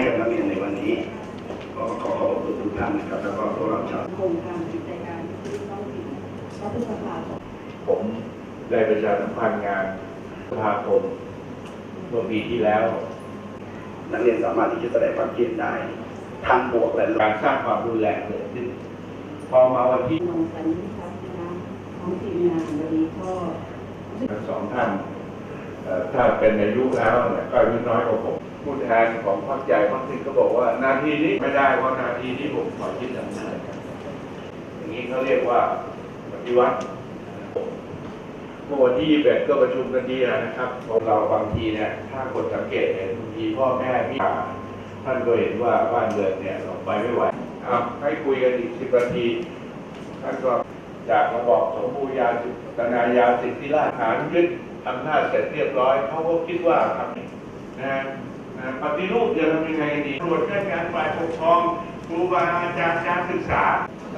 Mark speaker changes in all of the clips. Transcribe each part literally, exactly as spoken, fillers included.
Speaker 1: กับนักเรียนในวันนี้ขอขอขอบคุณทุกท่านนะครับแล้วก็พวกเราชาว
Speaker 2: โครงการกิจการที่ต้องถึงรัฐสภา
Speaker 3: ผมได้ประชาสัมพันธ์งานสภาคมเมื่อปีที่แล้ว
Speaker 1: นักเรียนสามารถที่จะแสดงความคิดได้ทั้งบวกและลบ
Speaker 3: การสร้างความรุนแรงเกิดขึ้นพอมาวันที่
Speaker 2: มองสันนิษฐานนะของทีมงานวันนี้ก็
Speaker 3: ทั้งสองท่านถ้าเป็นอายุแล้วเนี่ยก็อายุน้อยกว่าผมผู้แทนของพรรคใหญ่พรรคหนึ่งก็บอกว่านาทีนี้ไม่ได้เพราะนาทีนี้ผมขอยึดอำนาจอย่างนี้เขาเรียกว่าปฏิวัติเมื่อวันที่ยี่สิบเอ็ดก็ประชุมกันดีนะครับพวกเราบางทีเนี่ยถ้าคนสังเกตเห็นบางทีพ่อแม่พี่ท่านก็เห็นว่าบ้านเมืองเนี่ยเราไปไม่ไหวเอาให้คุยกันอีกสิบนาทีท่านก็จากระบอบสมบูรณาญาณายาสิทธิราชย์ฐานยึดอำนาจเสร็จเรียบร้อยเขาก็คิดว่าทำนะนะปฏิรูปจะทำยังไงดีตรวจราชการฝ่ายปกครองครูบาอาจารย์การศึกษา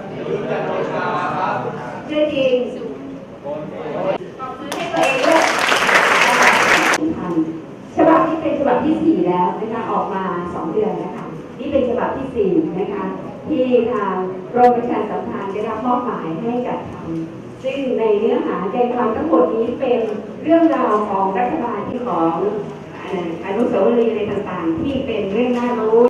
Speaker 2: เรื่องจริงขอบคุณให้ตัวเองด้วยฉบับที่เป็นฉบับที่สี่แล้วนะคะออกมาสองเดือนนะคะนี่เป็นฉบับที่สี่นะคะที่ทางกรมประชาสัมพันธ์ได้รับมอบหมายให้จัดทำซึ่งในเนื้อหาใจความทั้งหมดนี้เป็นเรื่องราวของรัฐบาลที่ของอนุสาวรีย์อะไรต่างๆที่เป็นเรื่องน่ารู้